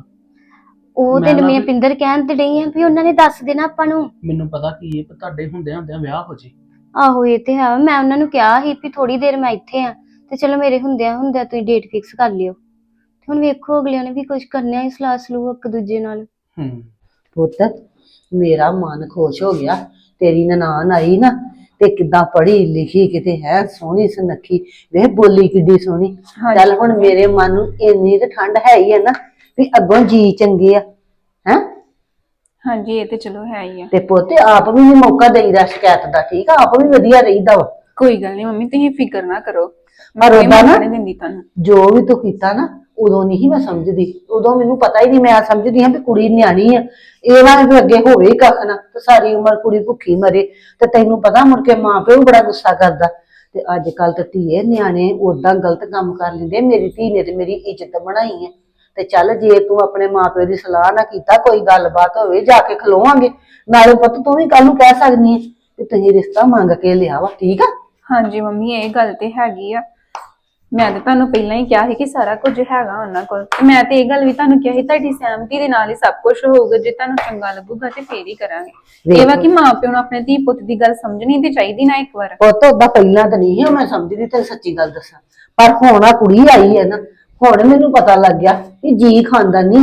Speaker 3: ਉਹ
Speaker 4: ਮੈਂ
Speaker 3: ਤੇ
Speaker 4: ਨਾ
Speaker 3: ਮੈਂ
Speaker 4: ਵੀ-
Speaker 3: ਪਿੰਦਰ ਕਹਿਣ ਤੇ ਡਈ ਆ ਵੀ ਉਹਨਾਂ ਨੇ ਦੱਸ ਦੇਣਾ ਆਪਾਂ ਨੂੰ।
Speaker 4: ਮੈਨੂੰ ਪਤਾ ਕੀ ਹੈ, ਤੁਹਾਡੇ ਹੁੰਦਿਆਂ ਹੁੰਦਿਆਂ ਵਿਆਹ ਹੋ ਜੇ।
Speaker 3: ਆਹੋ ਇਹ ਤੇ ਹੈ, ਮੈਂ ਉਹਨਾਂ ਨੂੰ ਕਿਹਾ ਸੀ ਵੀ ਥੋੜੀ ਦੇਰ ਮੈਂ ਇੱਥੇ ਆ, ਤੇ ਚਲੋ ਮੇਰੇ ਹੁੰਦਿਆਂ ਹੁੰਦਿਆਂ ਤੁਸੀਂ ਡੇਟ ਫਿਕਸ ਕਰ ਲਿਓ। ਤੇ ਹੁਣ ਵੇਖੋ ਅਗਲਿਆਂ ਨੇ ਵੀ ਕੁਝ ਕਰਨਾ ਹੀ, ਸਲਾਹ ਸਲੂਹ ਇੱਕ ਦੂਜੇ ਨਾਲ।
Speaker 4: ਹੂੰ
Speaker 5: ਪੁੱਤ ਮੇਰਾ ਮਨ ਖੁਸ਼ ਹੋ ਗਿਆ, ਤੇਰੀ ਨਨਾਣ ਆਈ ਨਾ ਤੇ ਕਿੱਦਾਂ ਪੜ੍ਹੀ ਲਿਖੀ, ਕਿਤੇ ਹੈ ਸੋਹਣੀ ਸੁਨੱਖੀ, ਵੇਖ ਬੋਲੀ ਕਿੱਡੀ ਸੋਹਣੀ। ਚੱਲ ਹੁਣ ਮੇਰੇ ਮਨ ਨੂੰ ਇੰਨੀ ਤੇ ਠੰਡ ਹੈ ਹੀ ਹੈ ਨਾ ਵੀ ਅੱਗੋਂ ਜੀ ਚੰਗੇ ਆ ਹੈ।
Speaker 6: ਹਾਂਜੀ ਇਹ ਤੇ ਚਲੋ ਹੈ ਹੀ ਆ।
Speaker 5: ਤੇ ਪੁੱਤ ਆਪ ਵੀ ਨੀ ਮੌਕਾ ਦੇਈਦਾ ਸ਼ਿਕਾਇਤ ਦਾ, ਠੀਕ ਆ, ਆਪ ਵੀ ਵਧੀਆ ਰਹੀਦਾ ਵਾ।
Speaker 6: ਕੋਈ ਗੱਲ ਨਹੀਂ ਮੰਮੀ, ਤੁਸੀਂ ਫਿਕਰ ਨਾ ਕਰੋ,
Speaker 5: ਪਰ
Speaker 6: ਕੋਈ
Speaker 5: ਉਹਦਾ ਨਾ-
Speaker 6: ਮੌਕਾ ਨਹੀਂ ਦਿੰਦੀ ਤੁਹਾਨੂੰ।
Speaker 5: ਜੋ ਵੀ ਤੂੰ ਕੀਤਾ ਨਾ ਉਦੋਂ ਨਹੀਂ ਮੈਂ ਸਮਝਦੀ, ਉਦੋਂ ਮੈਨੂੰ ਪਤਾ ਹੀ ਨਹੀਂ, ਮੈਂ ਸਮਝਦੀ ਹਾਂ ਵੀ ਕੁੜੀ ਨਿਆਣੀ ਆ, ਇਹ ਨਾ ਵੀ ਅੱਗੇ ਹੋਵੇ ਹੀ ਕੱਖ ਨਾ ਤੇ ਸਾਰੀ ਉਮਰ ਕੁੜੀ ਭੁੱਖੀ ਮਰੇ। ਤੇ ਤੈਨੂੰ ਪਤਾ ਮੁੜ ਕੇ ਮਾਂ ਪਿਓ ਵੀ ਬੜਾ ਗੁੱਸਾ ਕਰਦਾ। ਤੇ ਅੱਜ ਕੱਲ ਤੇ ਧੀਏ ਨਿਆਣੇ ਉਦਾਂ ਗਲਤ ਕੰਮ ਕਰ ਲੈਂਦੇ। ਮੇਰੀ ਧੀ ਨੇ ਤੇ ਮੇਰੀ ਇੱਜ਼ਤ ਬਣਾਈ ਹੈ। ਤੇ ਚੱਲ ਜੇ ਤੂੰ ਆਪਣੇ ਮਾਂ ਪਿਓ ਦੀ ਸਲਾਹ ਨਾ ਕੀਤਾ, ਕੋਈ ਗੱਲਬਾਤ ਹੋਵੇ ਜਾ ਕੇ ਖਲੋਵਾਂਗੇ। ਨਾਲੇ ਪੁੱਤ ਤੂੰ ਵੀ ਕੱਲ ਨੂੰ ਕਹਿ ਸਕਦੀ ਹੈ ਕਿ ਤੁਸੀਂ ਰਿਸ਼ਤਾ ਮੰਗ ਕੇ ਲਿਆ ਵਾ, ਠੀਕ ਆ।
Speaker 6: ਹਾਂਜੀ ਮੰਮੀ ਇਹ ਗੱਲ ਤੇ ਹੈਗੀ ਆ, ਮੈਂ ਤੇ ਤੁਹਾਨੂੰ ਪਹਿਲਾਂ ਹੀ ਕਿਹਾ ਸੀ ਕਿ ਸਾਰਾ ਕੁਝ ਹੈਗਾ ਉਹਨਾਂ ਕੋਲ, ਤੇ ਮੈਂ ਤੇ ਇਹ ਗੱਲ ਵੀ ਤੁਹਾਨੂੰ ਕਿਹਾ ਸੀ ਤੁਹਾਡੀ ਸਹਿਮਤੀ ਦੇ ਨਾਲ ਹੀ ਸਭ ਕੁਝ ਹੋਊਗਾ, ਜੇ ਤੁਹਾਨੂੰ ਚੰਗਾ ਲੱਗੂਗਾ ਤੇ ਫੇਰ ਹੀ ਕਰਾਂਗੇ। ਇਹ ਵਾ ਕਿ ਮਾਂ ਪਿਓ ਨੂੰ ਆਪਣੇ ਧੀ ਪੁੱਤ ਦੀ ਗੱਲ ਸਮਝਣੀ ਤੇ ਚਾਹੀਦੀ ਨਾ ਇੱਕ ਵਾਰ।
Speaker 5: ਪੁੱਤ ਓਦਾਂ ਪਹਿਲਾਂ ਤਾਂ ਨਹੀਂ ਸੀ ਮੈਂ ਸਮਝਦੀ, ਤੈਨੂੰ ਸੱਚੀ ਗੱਲ ਦੱਸਾਂ, ਪਰ ਹੁਣ ਆ ਕੁੜੀ ਆਈ ਹੈ ਨਾ, ਹੁਣ ਮੈਨੂੰ ਪਤਾ ਲੱਗ ਗਿਆ ਕਿ ਜੀ ਖਾਨਦਾਨੀ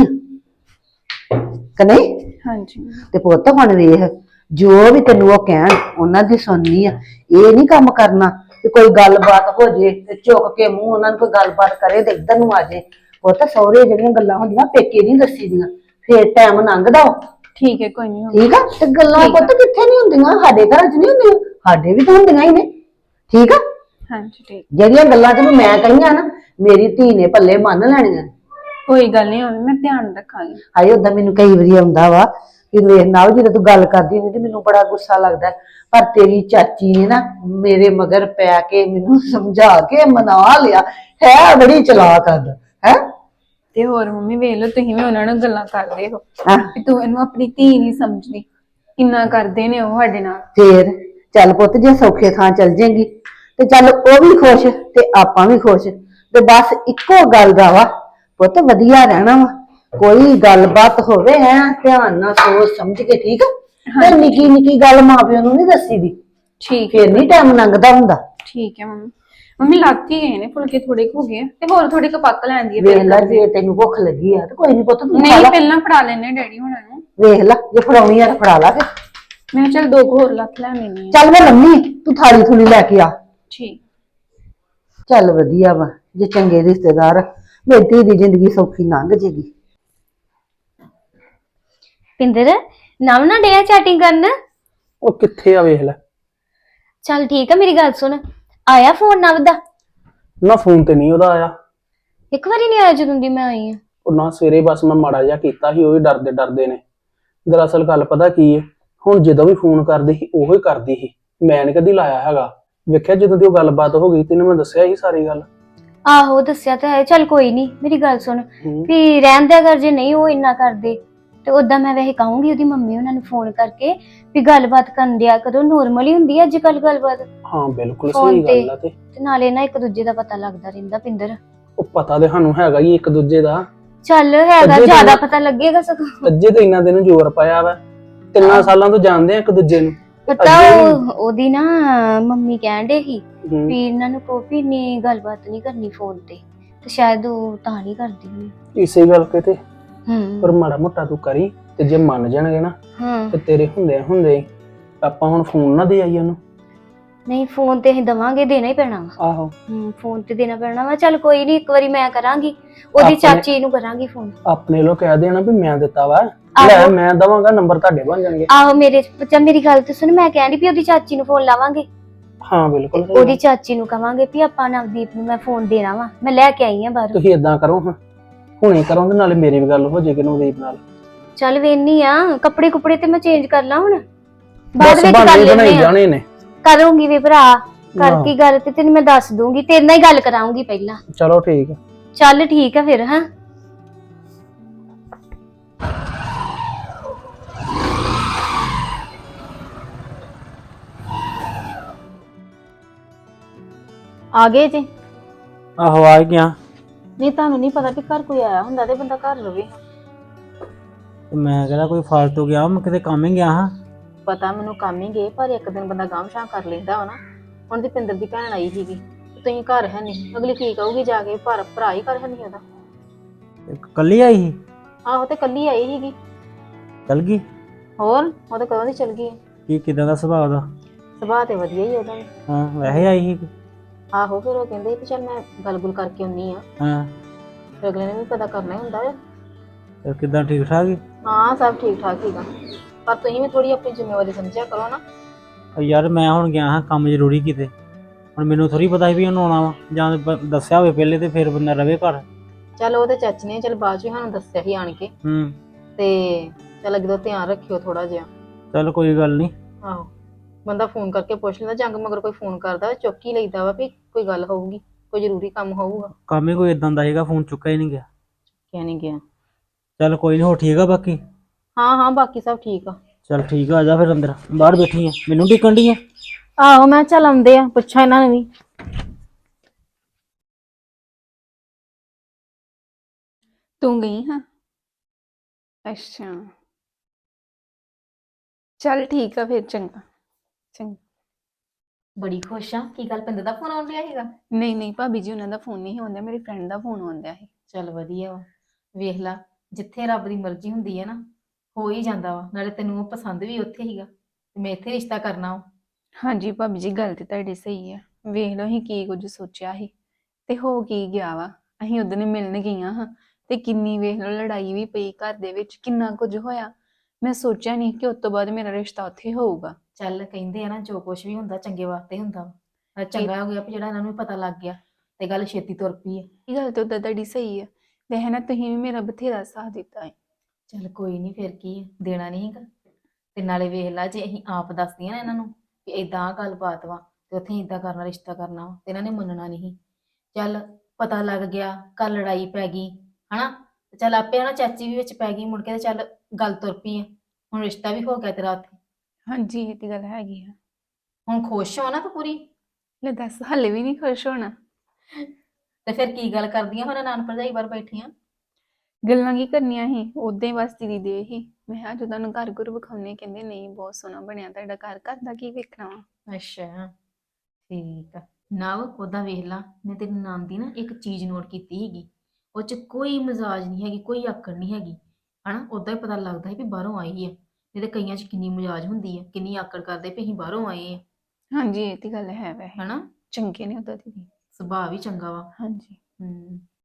Speaker 5: ਆ ਕਿ ਨਹੀਂ।
Speaker 6: ਹਾਂਜੀ
Speaker 5: ਤੇ ਪੁੱਤ ਹੁਣ ਵੇਖ, ਜੋ ਵੀ ਤੈਨੂੰ ਉਹ ਕਹਿਣ ਉਹਨਾਂ ਦੀ ਸੁਣਨੀ ਆ। ਇਹ ਨਹੀਂ ਕੰਮ ਕਰਨਾ ਕਿ ਕੋਈ ਗੱਲਬਾਤ ਹੋ ਜੇ ਤੇ ਝੁਕ ਕੇ ਮੂੰਹ ਉਹਨਾਂ ਨੂੰ ਕੋਈ ਗੱਲਬਾਤ ਕਰੇ ਤੇ ਇੱਧਰ ਨੂੰ ਆ ਜੇ। ਪੁੱਤ ਸਹੁਰੇ ਜਿਹੜੀਆਂ ਗੱਲਾਂ ਹੁੰਦੀਆਂ ਪੇਕੇ ਨਹੀਂ ਦੱਸੀ ਦੀਆਂ, ਫੇਰ ਟਾਈਮ ਲੰਘਦਾ ਵਾ,
Speaker 6: ਠੀਕ ਹੈ ਕੋਈ ਨਹੀਂ।
Speaker 5: ਠੀਕ ਆ। ਤੇ ਗੱਲਾਂ
Speaker 6: ਠੀਕ ਆ।
Speaker 5: ਪੁੱਤ ਕਿੱਥੇ ਨਹੀਂ ਹੁੰਦੀਆਂ, ਸਾਡੇ ਘਰਾਂ 'ਚ ਨਹੀਂ ਹੁੰਦੀਆਂ, ਸਾਡੇ ਵੀ ਤਾਂ ਹੁੰਦੀਆਂ ਹੀ ਨੇ, ਠੀਕ ਆ।
Speaker 6: ਹਾਂਜੀ ਠੀਕ,
Speaker 5: ਜਿਹੜੀਆਂ ਗੱਲਾਂ ਤੈਨੂੰ ਮੈਂ ਕਹੀਆਂ ਨਾ, ਮੇਰੀ ਧੀ ਨੇ ਪੱਲੇ ਮੰਨ ਲੈਣੀਆਂ।
Speaker 6: ਕੋਈ ਗੱਲ ਨਹੀਂ ਮੰਮੀ, ਮੈਂ ਧਿਆਨ ਰੱਖਾਂਗੀ।
Speaker 5: ਹਾਏ ਓਦਾਂ ਮੈਨੂੰ ਕਈ ਵਾਰੀ ਆਉਂਦਾ ਵਾ ਕਿ ਵੇਖ ਨਾ ਜਦੋਂ ਤੂੰ ਗੱਲ ਕਰਦੀ ਹੁੰਦੀ ਤੇ ਮੈਨੂੰ ਬੜਾ ਗੁੱਸਾ ਲੱਗਦਾ, ਪਰ ਤੇਰੀ ਚਾਚੀ ਨੇ ਨਾ ਮੇਰੇ ਮਗਰ ਪੈ ਕੇ ਮੈਨੂੰ ਸਮਝਾ ਕੇ ਮਨਾ ਲਿਆ ਹੈ, ਬੜੀ ਚਲਾਕ ਆ ਹੈ।
Speaker 6: ਤੇ ਹੋਰ ਮੰਮੀ ਵੇਖ ਲਓ, ਤੁਸੀਂ ਵੀ ਉਹਨਾਂ ਨਾਲ ਗੱਲਾਂ ਕਰਦੇ ਹੋ
Speaker 5: ਹਾਂ
Speaker 6: ਕਿ ਤੂੰ ਇਹਨੂੰ ਆਪਣੀ ਧੀ ਨਹੀਂ ਸਮਝਦੀ, ਕਿੰਨਾ ਕਰਦੇ ਨੇ ਉਹ ਸਾਡੇ ਨਾਲ।
Speaker 5: ਫੇਰ ਚੱਲ ਪੁੱਤ ਜੇ ਸੌਖੇ ਥਾਂ ਚੱਲ ਜਾਏਗੀ ਤੇ ਚੱਲ ਉਹ ਵੀ ਖੁਸ਼ ਤੇ ਆਪਾਂ ਵੀ ਖੁਸ਼, ਤੇ ਬਸ ਇੱਕੋ ਗੱਲ ਦਾ ਵਾ ਪੁੱਤ, ਵਧੀਆ ਰਹਿਣਾ ਵਾ। ਕੋਈ ਗੱਲਬਾਤ ਹੋਵੇ ਹੈ ਧਿਆਨ ਨਾਲ ਸੋਚ ਸਮਝ ਕੇ, ਠੀਕ ਆ। ਤੇ ਨਿੱਕੀ ਨਿੱਕੀ ਗੱਲ ਮਾਂ ਪਿਓ ਨੂੰ ਨਹੀਂ ਦੱਸੀ ਦੀ,
Speaker 6: ਠੀਕ
Speaker 5: ਫੇਰ ਨਹੀਂ ਟਾਈਮ ਲੰਘਦਾ ਹੁੰਦਾ।
Speaker 6: ਠੀਕ ਹੈ ਮੰਮੀ। ਮੰਮੀ ਲੱਗ ਹੀ ਗਏ ਨੇ ਫੁਲਕੇ, ਥੋੜੇ ਕੁ ਹੋ ਗਏ ਆ, ਤੇ ਹੋਰ ਥੋੜੇ ਕੁ ਪੱਕ ਲੈਂਦੀ ਹੈ
Speaker 5: ਵੇਖ ਲੈ ਜੇ ਤੈਨੂੰ ਭੁੱਖ ਲੱਗੀ ਆ ਤੇ ਕੋਈ ਨਹੀਂ ਪੁੱਤ ਤੂੰ ਖਾ
Speaker 6: ਨਹੀਂ
Speaker 5: ਲਾ।
Speaker 6: ਪਹਿਲਾਂ ਫੜਾ ਲੈਣੇ ਡੈਡੀ ਹੁਣਾਂ ਨੂੰ।
Speaker 5: ਵੇਖ ਲੈ ਜੇ ਫੜਾਉਣੀ ਆ ਤਾਂ ਫੜਾ ਲਾ ਫਿਰ।
Speaker 6: ਮੈਂ ਕਿਹਾ ਚੱਲ ਦੋ ਕੁ ਹੋਰ ਲੱਖ ਲੈ ਲੈਣੀ ਆ।
Speaker 5: ਚੱਲ ਮੈਂ ਲੰਮੀ, ਤੂੰ ਥਾਲੀ ਥੂਲੀ ਲੈ ਕੇ ਆ।
Speaker 6: ਠੀਕ।
Speaker 5: ਚੱਲ ਵਧੀਆ ਵਾ, ਜੇ ਚੰਗੇ ਰਿਸ਼ਤੇਦਾਰ, ਮੇਰੀ ਧੀ ਦੀ ਜ਼ਿੰਦਗੀ ਸੌਖੀ ਲੰਘ ਜੇਗੀ।
Speaker 3: ਪਿੰਦਰ ਨਵ ਨਾ ਡਿਆ ਚੈਟਿੰਗ ਕਰਨ।
Speaker 4: ਉਹ ਕਿੱਥੇ ਆ ਵੇਖ ਲੈ।
Speaker 3: ਚੱਲ ਠੀਕ ਆ, ਮੇਰੀ ਗੱਲ ਸੁਣ, ਆਇਆ ਫੋਨ ਨਵ ਦਾ?
Speaker 4: ਨਾ ਫੋਨ ਤੇ ਨਹੀਂ ਉਹਦਾ ਆਇਆ।
Speaker 3: ਇੱਕ ਵਾਰੀ ਨਹੀਂ ਆਇਆ ਜਦੋਂ ਦੀ ਮੈਂ ਆਈ ਆ।
Speaker 4: ਉਹ ਨਾ ਸਵੇਰੇ ਬਸ ਮੈਂ ਮਾੜਾ ਜਿਹਾ ਕੀਤਾ ਸੀ, ਉਹ ਵੀ ਡਰਦੇ ਡਰਦੇ ਨੇ। ਦਰਅਸਲ ਗੱਲ ਪਤਾ ਕੀ ਹੈ, ਹੁਣ ਜਦੋਂ ਵੀ ਫੋਨ ਕਰਦੇ ਸੀ ਉਹੋ ਹੀ ਕਰਦੀ ਸੀ, ਮੈਂ ਨੀ ਕਦੀ ਲਾਇਆ ਹੈਗਾ। ਵੇਖਿਆ ਜਦੋਂ ਦੀ ਉਹ ਗੱਲਬਾਤ ਹੋ ਗਈ ਤੈਨੂੰ ਮੈਂ ਦੱਸਿਆ ਸੀ ਸਾਰੀ ਗੱਲ।
Speaker 3: ਆਹੋ ਦੱਸਿਆ ਤਾਂ ਹੈ। ਚੱਲ ਕੋਈ ਨਹੀਂ, ਮੇਰੀ ਗੱਲ ਸੁਣ
Speaker 4: ਹੂੰ।
Speaker 3: ਵੀ ਰਹਿਣ ਦਿਆ ਕਰ, ਜੇ ਨਹੀਂ ਉਹ ਇੰਨਾ ਕਰਦੇ ਤੇ ਉਦਾਂ ਮੈਂ ਵੈਸੇ ਕਹੂੰਗੀ ਉਹਦੀ ਮੰਮੀ ਉਹਨਾਂ ਨੂੰ ਫੋਨ ਕਰਕੇ ਵੀ ਗੱਲਬਾਤ ਕਰਨ ਦਿਆ ਕਰੋ। ਨੋਰਮਲ ਹੀ ਹੁੰਦੀ ਆ ਅੱਜ ਕੱਲ ਗੱਲਬਾਤ
Speaker 4: ਹਾਂ ਬਿਲਕੁਲ
Speaker 3: ਫੋਨ
Speaker 4: ਸਹੀ
Speaker 3: ਤੇ
Speaker 4: ਗੱਲ ਆ। ਤੇ
Speaker 3: ਤੇ ਨਾਲੇ ਨਾ ਇੱਕ ਦੂਜੇ ਦਾ ਪਤਾ ਲੱਗਦਾ ਰਹਿੰਦਾ ਪਿੰਦਰ।
Speaker 4: ਉਹ ਪਤਾ ਤੇ ਸਾਨੂੰ ਹੈਗਾ ਹੀ ਇੱਕ ਦੂਜੇ ਦਾ,
Speaker 3: ਚੱਲ ਹੈਗਾ,
Speaker 4: ਅੱਜੇ
Speaker 3: ਜ਼ਿਆਦਾ
Speaker 4: ਤਾਂ-
Speaker 3: ਪਤਾ ਲੱਗੇਗਾ ਸਗੋਂ।
Speaker 4: ਅੱਜੇ ਤੇ ਇੰਨਾ ਦਿਨ ਜ਼ੋਰ ਪਾਇਆ ਵਾ, ਤਿੰਨਾਂ ਸਾਲਾਂ ਤੋਂ ਜਾਣਦੇ ਆ ਇੱਕ ਦੂਜੇ ਨੂੰ।
Speaker 3: ਪਤਾ
Speaker 4: ਅੱਜੇ ਵੀ-
Speaker 3: ਉਹ ਉਹਦੀ ਨਾ ਮੰਮੀ ਕਹਿਣ ਡੇ ਸੀ
Speaker 4: ਹੂੰ।
Speaker 3: ਵੀ ਇਹਨਾਂ ਨੂੰ ਕਹੋ ਵੀ ਇੰਨੀ ਗੱਲਬਾਤ ਨਹੀਂ ਕਰਨੀ ਫੋਨ ਤੇ ਤੇ ਸ਼ਾਇਦ ਉਹ ਤਾਂ ਨਹੀਂ ਕਰਦੀ ਹੋਣੀ।
Speaker 4: ਇਸੇ ਗੱਲ ਕਿਤੇ ਪਰ
Speaker 3: ਹੂੰ
Speaker 4: ਮਾੜਾ ਮੋਟਾ ਤੂੰ ਕਰੀ, ਤੇ ਜੇ ਮੰਨ ਜਾਣਗੇ ਨਾ
Speaker 3: ਹਾਂ
Speaker 4: ਤੇ ਤੇਰੇ ਹੁੰਦੇ ਹੁੰਦੇ ਆਪਾਂ ਹੁਣ ਫੋਨ ਨਾ ਦੇ ਆਈ ਉਹਨੂੰ।
Speaker 3: ਨਹੀਂ ਫੋਨ ਤੇ ਅਸੀਂ ਦਵਾਂਗੇ, ਦੇਣਾ ਹੀ ਪੈਣਾ ਵਾ।
Speaker 4: ਆਹੋ
Speaker 3: ਹੂੰ ਫੋਨ ਤੇ ਦੇਣਾ ਪੈਣਾ ਵਾ। ਚੱਲ ਕੋਈ ਨਹੀਂ, ਇੱਕ ਵਾਰੀ ਮੈਂ ਕਰਾਂਗੀ, ਉਹਦੀ
Speaker 4: ਆਪਣੇ-
Speaker 3: ਚਾਚੀ ਨੂੰ ਕਰਾਂਗੀ ਫੋਨ।
Speaker 4: ਆਪਣੇ ਲੋ ਕਹਿ ਦੇਣਾ ਵੀ ਮੈਂ ਦਿੱਤਾ ਵਾ, ਲੈ
Speaker 3: ਆਹੋ।
Speaker 4: ਮੈਂ ਦਵਾਂਗਾ, ਨੰਬਰ ਤੁਹਾਡੇ ਬਣ ਜਾਣਗੇ।
Speaker 3: ਆਹੋ ਮੇਰੇ ਬੱਚਾ, ਮੇਰੀ ਗੱਲ ਤੇ ਸੁਣ, ਮੈਂ ਕਹਿਣੀ ਵੀ ਉਹਦੀ ਚਾਚੀ ਨੂੰ ਫੋਨ ਲਾਵਾਂਗੇ।
Speaker 4: ਹਾਂ ਬਿਲਕੁਲ ਸਹੀ
Speaker 3: ਉਹਦੀ
Speaker 4: ਗੱਲ।
Speaker 3: ਚਾਚੀ ਨੂੰ ਕਵਾਂਗੇ ਵੀ ਆਪਾਂ ਨਵਦੀਪ ਨੂੰ ਮੈਂ ਫੋਨ ਦੇਣਾ ਵਾ, ਮੈਂ ਲੈ ਕੇ ਆਈ ਆ ਬਾਹਰੋਂ।
Speaker 4: ਤੁਸੀਂ ਇਦਾਂ ਕਰੋ ਹਾਂ, ਹੁਣੇ ਕਰੋ ਤੇ ਨਾਲੇ ਮੇਰੀ ਵੀ ਗੱਲ ਹੋ ਜਾਏਗੀ ਨਵਦੀਪ ਨਾਲ।
Speaker 3: ਚੱਲ ਵੇਨੀ ਆ, ਕੱਪੜੇ ਕੁਪੜੇ ਤੇ ਮੈਂ ਚੇਂਜ ਕਰ ਲਾਂ ਹੁਣ, ਬਾਅਦ
Speaker 4: ਬਸ
Speaker 3: ਵਿੱਚ ਕਰ
Speaker 4: ਬਹਾਨੇ ਬਣਾਈ
Speaker 3: ਲੈਣੇ ਆ।
Speaker 4: ਜਾਣੇ ਨੇ।
Speaker 3: ਕਰੂੰਗੀ ਵੀ ਭਰਾ,
Speaker 4: ਹਾਂ।
Speaker 3: ਕਰਕੇ ਗੱਲ ਤੇ ਤੈਨੂੰ ਮੈਂ ਦੱਸ ਦੂੰਗੀ, ਤੇਰੇ ਨਾਲ ਹੀ ਗੱਲ ਕਰਾਉਂਗੀ ਪਹਿਲਾਂ।
Speaker 4: ਚਲੋ ਠੀਕ ਹੈ।
Speaker 3: ਚੱਲ ਠੀਕ ਆ ਫਿਰ। ਹਾਂ
Speaker 1: ਆ ਗਏ ਜੀ?
Speaker 7: ਆਹੋ ਆ ਗਿਆ।
Speaker 1: ਨਹੀਂ ਤੁਹਾਨੂੰ ਨਹੀਂ ਪਤਾ ਵੀ ਘਰ ਕੋਈ ਆਇਆ ਹੁੰਦਾ ਤੇ ਬੰਦਾ ਘਰ ਰਵੇ।
Speaker 7: ਤੇ ਮੈਂ ਕਹਿੰਦਾ ਕੋਈ ਫਾਲਤੂ ਗਿਆ, ਮੈਂ ਕਿਤੇ ਕੰਮ ਹੀ ਗਿਆ ਹਾਂ।
Speaker 1: ਪਤਾ ਮੈਨੂੰ ਕੰਮ ਹੀ ਗਏ, ਪਰ ਇੱਕ ਦਿਨ ਬੰਦਾ ਗਾਂਹ ਸ਼ਾਂ ਕਰ ਲੈਂਦਾ ਵਾ ਨਾ। ਹੁਣ ਦੀ ਪਿੰਦਰ ਦੀ ਭੈਣ ਆਈ ਸੀਗੀ ਤੇ ਤੁਸੀਂ ਘਰ ਹੈ ਨਹੀਂ, ਅਗਲੀ ਕੀ ਕਹੂਗੀ ਜਾ ਕੇ, ਪਰ ਭਰਾ ਹੀ ਘਰ ਹੈ ਨਹੀਂ ਉਹਦਾ।
Speaker 7: ਤੇ ਕੱਲੀ ਆਈ ਸੀ?
Speaker 1: ਆਹੋ ਤੇ ਕੱਲੀ ਆਈ ਸੀਗੀ।
Speaker 7: ਚਲ ਗਈ?
Speaker 1: ਹੋਰ ਉਹ ਤਾਂ ਕਦੋਂ ਦੀ ਚਲ ਗਈ ਹੈ।
Speaker 7: ਕੀ ਕਿਦਾਂ ਦਾ ਸੁਭਾਅ ਉਹਦਾ?
Speaker 1: ਸੁਭਾਅ ਤੇ ਵਧੀਆ ਹੀ ਉਹਦਾ ਵੀ।
Speaker 7: ਹਾਂ ਵੈਸੇ ਆਈ ਸੀ?
Speaker 1: ਆਹੋ ਫਿਰ ਉਹ ਕਹਿੰਦੇ ਵੀ ਚੱਲ ਮੈਂ ਗੱਲ ਗੁੱਲ ਕਰਕੇ ਆਉਣੀ ਆ,
Speaker 7: ਹਾਂ
Speaker 1: ਫਿਰ ਅਗਲੇ ਨੇ ਵੀ ਪਤਾ ਕਰਨਾ ਹੀ ਹੁੰਦਾ ਹੈ।
Speaker 7: ਤੇ ਕਿਦਾਂ ਠੀਕ ਠਾਕ ਹੀ?
Speaker 1: ਹਾਂ ਸਭ ਠੀਕ ਠਾਕ ਸੀਗਾ, ਪਰ ਤੁਸੀਂ ਵੀ ਥੋੜੀ ਆਪਣੀ ਜ਼ਿੰਮੇਵਾਰੀ ਸਮਝਿਆ ਕਰੋ ਨਾ।
Speaker 7: ਉਹ ਯਾਰ ਮੈਂ ਹੁਣ ਗਿਆ ਹਾਂ ਕੰਮ ਜ਼ਰੂਰੀ ਕਿਤੇ, ਹੁਣ ਮੈਨੂੰ ਥੋੜੀ ਪਤਾ ਸੀ ਵੀ ਉਹਨੂੰ ਆਉਣਾ ਵਾ, ਜਾਂ ਬ- ਦੱਸਿਆ ਹੋਵੇ ਪਹਿਲੇ ਤੇ ਫਿਰ ਬੰਦਾ ਰਵੇ ਘਰ।
Speaker 1: ਚੱਲ ਉਹ ਤੇ ਚਾਚੀ ਨੇ ਚੱਲ ਬਾਅਦ ਚ ਸਾਨੂੰ ਦੱਸਿਆ ਸੀ ਆਣ ਕੇ,
Speaker 7: ਹੂੰ
Speaker 1: ਤੇ ਚੱਲ ਅੱਗੇ ਤੋਂ ਧਿਆਨ ਰੱਖਿਓ ਥੋੜਾ ਜਿਹਾ।
Speaker 7: ਚੱਲ ਕੋਈ ਗੱਲ ਨਹੀਂ।
Speaker 1: ਆਹੋ ਬੰਦਾ ਫੋਨ ਕਰਕੇ ਪੁੱਛ ਲੈਂਦਾ, ਜੰਗ ਮਗਰ ਕੋਈ ਫੋਨ ਕਰਦਾ ਚੁੱਕ ਹੀ ਲਈਦਾ ਵਾ ਵੀ ਕੋਈ ਗੱਲ ਹੋਊਗੀ, ਕੋਈ ਜ਼ਰੂਰੀ ਕੰਮ ਹੋਊਗਾ।
Speaker 7: ਕੰਮ ਹੀ ਕੋਈ ਇਦਾਂ ਦਾ ਸੀਗਾ, ਫੋਨ ਚੁੱਕਿਆ ਹੀ ਨਹੀਂ ਗਿਆ।
Speaker 1: ਕਿਆ ਨਹੀਂ ਗਿਆ।
Speaker 7: ਚੱਲ ਕੋਈ ਨਹੀਂ, ਹੋ ਠੀਕ ਆ ਬਾਕੀ?
Speaker 1: ਹਾਂ ਹਾਂ ਬਾਕੀ ਸਭ ਠੀਕ ਆ।
Speaker 7: ਚੱਲ ਠੀਕ ਆ, ਆ ਜਾ ਫਿਰ ਅੰਦਰ, ਬਾਹਰ ਬੈਠੀ ਆ, ਮੈਨੂੰ ਢੀਕਣ ਡਈ ਆ?
Speaker 1: ਆਹੋ ਮੈਂ ਚੱਲ ਆਉਂਦੇ ਆ, ਪੁੱਛਾਂ ਇਹਨਾਂ ਨੂੰ ਵੀ।
Speaker 6: ਤੂੰ ਗਈ ਹਾਂ? ਅੱਛਾ ਚੱਲ ਠੀਕ ਆ ਫਿਰ, ਚੰਗਾ ਚੰਗਾ।
Speaker 1: ਬੜੀ ਖੁਸ਼ ਆ, ਕੀ ਗੱਲ ਪਿੰਦਰ ਦਾ ਫੋਨ ਆਉਣ ਰਿਹਾ ਸੀਗਾ?
Speaker 6: ਨਹੀਂ ਨਹੀਂ ਭਾਬੀ ਜੀ, ਉਹਨਾਂ ਦਾ ਫੋਨ ਨਹੀਂ ਆਉਂਦਾ, ਮੇਰੀ ਫਰੈਂਡ ਦਾ ਫੋਨ ਆਉਂਦਾ ਹੈ।
Speaker 1: ਚੱਲ ਵਧੀਆ ਵਾ, ਵੇਖ ਲਾ ਜਿੱਥੇ ਰੱਬ ਦੀ ਮਰਜ਼ੀ ਹੁੰਦੀ ਹੈ ਨਾ, ਹੋ ਹੀ ਜਾਂਦਾ ਵਾ। ਨਾਲੇ ਤੈਨੂੰ ਉਹ ਪਸੰਦ ਵੀ ਉੱਥੇ ਹੀਗਾ, ਤੇ ਮੈਂ ਇੱਥੇ ਰਿਸ਼ਤਾ ਕਰਨਾ ਵਾ।
Speaker 6: ਹਾਂਜੀ ਭਾਬੀ ਜੀ, ਗੱਲ ਤੇ ਤੁਹਾਡੀ ਸਹੀ ਆ। ਵੇਖ ਲਓ ਅਸੀਂ ਕੀ ਕੁਝ ਸੋਚਿਆ ਸੀ ਤੇ ਹੋ ਕੀ ਗਿਆ ਵਾ। ਅਸੀਂ ਉਦੋਂ ਮਿਲਣ ਗਈਆਂ ਹਾਂ ਤੇ ਕਿੰਨੀ ਵੇਖ ਲਓ ਲੜਾਈ ਵੀ ਪਈ ਘਰ ਦੇ ਵਿੱਚ, ਕਿੰਨਾ ਕੁਝ ਹੋਇਆ। ਮੈਂ ਸੋਚਿਆ ਨਹੀਂ ਕਿ ਉਸ ਤੋਂ ਬਾਅਦ ਮੇਰਾ ਰਿਸ਼ਤਾ ਉੱਥੇ ਹੋਊਗਾ।
Speaker 1: ਚੱਲ ਕਹਿੰਦੇ ਆ ਨਾ, ਜੋ ਕੁਝ ਵੀ ਹੁੰਦਾ ਚੰਗੇ ਵਾਸਤੇ ਹੁੰਦਾ ਵਾ। ਚੰਗਾ ਹੋ ਗਿਆ ਵੀ ਜਿਹੜਾ ਇਹਨਾਂ ਨੂੰ ਵੀ ਪਤਾ ਲੱਗ ਗਿਆ ਤੇ ਗੱਲ ਛੇਤੀ ਤੁਰ ਪਈ ਹੈ।
Speaker 6: ਇਹ ਗੱਲ ਤਾਂ ਉਦਾਂ ਤੁਹਾਡੀ ਸਹੀ ਆ, ਵੈਸੇ ਨਾ ਤੁਸੀਂ ਵੀ ਮੇਰਾ ਬਥੇਰਾ ਸਾਥ ਦਿੱਤਾ ਹੈ।
Speaker 1: ਚੱਲ ਕੋਈ ਨਹੀਂ, ਫਿਰ ਕੀ ਹੈ, ਦੇਣਾ ਨਹੀਂ ਹੈਗਾ। ਤੇ ਨਾਲੇ ਵੇਖ ਲਾ, ਜੇ ਅਸੀਂ ਆਪ ਦੱਸਦੀਆਂ ਨਾ ਇਹਨਾਂ ਨੂੰ ਵੀ ਇਦਾਂ ਗੱਲਬਾਤ ਵਾ ਤੇ ਉੱਥੇ ਇਦਾਂ ਕਰਨਾ, ਰਿਸ਼ਤਾ ਕਰਨਾ ਵਾ, ਤੇ ਇਹਨਾਂ ਨੇ ਮੰਨਣਾ ਨਹੀਂ। ਚੱਲ ਪਤਾ ਲੱਗ ਗਿਆ, ਕੱਲ ਲੜਾਈ ਪੈ ਗਈ ਹਨਾ, ਤੇ ਚੱਲ ਆਪੇ ਨਾ ਚਾਚੀ ਵੀ ਵਿੱਚ ਪੈ ਗਈ ਮੁੜ ਕੇ, ਤੇ ਚੱਲ ਗੱਲ ਤੁਰ ਪਈ ਆ। ਹੁਣ ਰਿਸ਼ਤਾ ਵੀ ਹੋ ਗਿਆ ਤੇਰਾ ਉੱਥੇ।
Speaker 6: ਹਾਂਜੀ ਇਹ ਤੇ ਗੱਲ ਹੈਗੀ ਆ।
Speaker 1: ਹੁਣ ਖੁਸ਼ ਹੋ ਨਾ ਤੂੰ ਪੂਰੀ?
Speaker 6: ਲੈ ਦੱਸ, ਹਲੇ ਵੀ ਨਹੀਂ ਖੁਸ਼ ਹੋਣਾ?
Speaker 1: ਤੇ ਫਿਰ ਕੀ ਗੱਲ ਕਰਦੀਆਂ ਹੁਣ ਨਾਨ ਭਰਜਾਈ ਬਾਹਰ ਬੈਠੀਆਂ?
Speaker 6: ਗੱਲਾਂ ਕੀ ਕਰਨੀਆਂ ਸੀ, ਉਦਾਂ ਹੀ ਬਸ ਦੀਦੀ ਦੇ ਹੀ। ਮੈਂ ਕਿਹਾ ਜਦੋਂ ਤੁਹਾਨੂੰ ਘਰ ਘਰ ਵਿਖਾਉਣੇ, ਕਹਿੰਦੇ ਨਹੀਂ ਬਹੁਤ ਸੋਹਣਾ ਬਣਿਆ ਤੁਹਾਡਾ ਘਰ, ਘਰ ਦਾ ਕੀ ਵੇਖਣਾ ਵਾ।
Speaker 1: ਅੱਛਾ ਠੀਕ ਆ। ਨਾ ਉਹਦਾ ਵੇਖ ਲਾ, ਮੈਂ ਤੇਰੀ ਨਾਨ ਦੀ ਨਾ ਇੱਕ ਚੀਜ਼ ਨੋਟ ਕੀਤੀ ਸੀਗੀ, ਉਹ ਚ ਕੋਈ ਮਜ਼ਾਜ ਨਹੀਂ ਹੈਗੀ, ਕੋਈ ਆਕੜ ਨਹੀਂ ਹੈਗੀ ਹਨਾ। ਉਦਾਂ ਹੀ ਪਤਾ ਲੱਗਦਾ ਹੈ ਵੀ ਬਾਹਰੋਂ ਆਈ ਹੈ, ਨਹੀਂ ਤੇ ਕਈਆਂ ਚ ਕਿੰਨੀ ਮਜ਼ਾਜ ਹੁੰਦੀ ਹੈ, ਕਿੰਨੀ ਆਕੜ ਕਰਦੇ ਵੀ ਅਸੀਂ ਬਾਹਰੋਂ ਆਏ ਆ।
Speaker 6: ਹਾਂਜੀ ਇਹ ਤੇ ਗੱਲ ਹੈ, ਵੈਸੇ
Speaker 1: ਹਨਾ
Speaker 6: ਚੰਗੇ ਨੇ ਉਦਾਂ ਦੀਦੀ,
Speaker 1: ਸੁਭਾਅ ਵੀ ਚੰਗਾ ਵਾ।
Speaker 6: ਹਾਂਜੀ
Speaker 1: ਹੂੰ